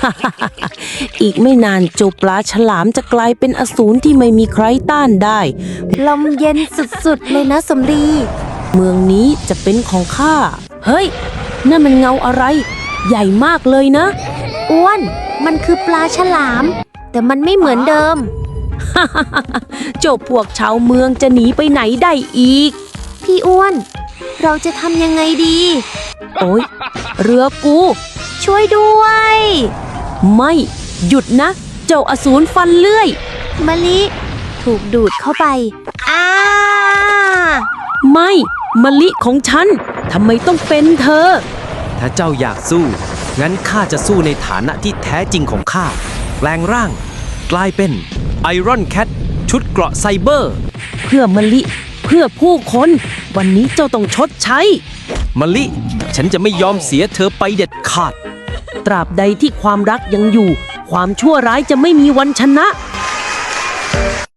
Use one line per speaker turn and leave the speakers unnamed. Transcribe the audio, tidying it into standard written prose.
อีกไม่นานเจ้าปลาฉลามจะกลายเป็นอสูรที่ไม่มีใครต้านได้
ลมเย็นสุดๆเลยนะสมรี
เมืองนี้จะเป็นของข้าเฮ้ยนั่นมันเงาอะไรใหญ่มากเลยนะ
อ้วนมันคือปลาฉลามแต่มันไม่เหมือนเดิม
เจ้าพวกชาวเมืองจะหนีไปไหนได้อีก
พี่อ้วนเราจะทำยังไงดี
โอ๊ยเรือกู
ช่วยด้วย
ไม่หยุดนะเจ้าอสูรฟันเลื่อย
มะลิถูกดูดเข้าไป
ไม่มะลิของฉันทำไมต้องเป็นเธอ
ถ้าเจ้าอยากสู้งั้นข้าจะสู้ในฐานะที่แท้จริงของข้าแปลงร่างกลายเป็นไอรอนแคทชุดเกราะไซเบอร์
เพื่อมะลิเพื่อผู้คนวันนี้เจ้าต้องชดใช้
มะลิฉันจะไม่ยอมเสียเธอไปเด็ดขาด
ตราบใดที่ความรักยังอยู่ความชั่วร้ายจะไม่มีวันชนะ